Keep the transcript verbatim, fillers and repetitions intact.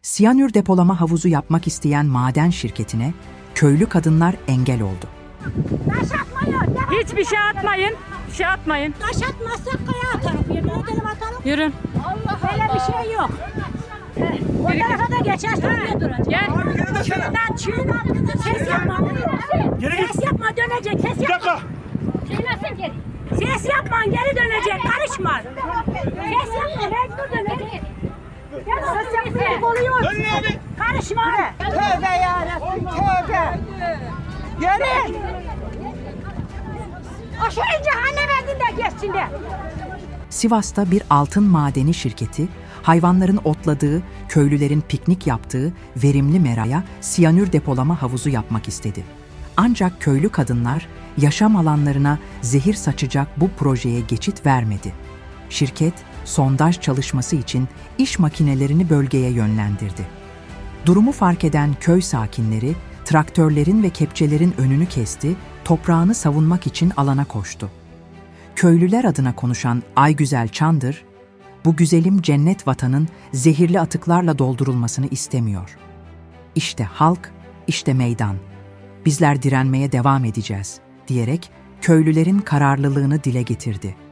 Siyanür depolama havuzu yapmak isteyen maden şirketine köylü kadınlar engel oldu. Taş atmayın. Hiçbir şey atmayın. Bir şey atmayın. Taş atmazsak kaya atarım. Yemin ederim atarım. Yürün. Böyle bir şey yok. O tarafa da geçersin oraya duracak. Gel. Çiğden çiğden. Ses yapma. Ses yapma dönecek. Ses yapma. Şeylersin geri. Ses yapma geri dönecek. Karışma. Ses yapma mecbur dönecek. Ses yapma oluyor. Karışma. Tövbe yarabbim tövbe. Yürü. Aşağı cehennem elinde geçsin de. Sivas'ta bir altın madeni şirketi, hayvanların otladığı, köylülerin piknik yaptığı verimli meraya siyanür depolama havuzu yapmak istedi. Ancak köylü kadınlar yaşam alanlarına zehir saçacak bu projeye geçit vermedi. Şirket, sondaj çalışması için iş makinelerini bölgeye yönlendirdi. Durumu fark eden köy sakinleri, traktörlerin ve kepçelerin önünü kesti, toprağını savunmak için alana koştu. Köylüler adına konuşan Aygüzel Çandır, bu güzelim cennet vatanın zehirli atıklarla doldurulmasını istemiyor. İşte halk, işte meydan. Bizler direnmeye devam edeceğiz, diyerek köylülerin kararlılığını dile getirdi.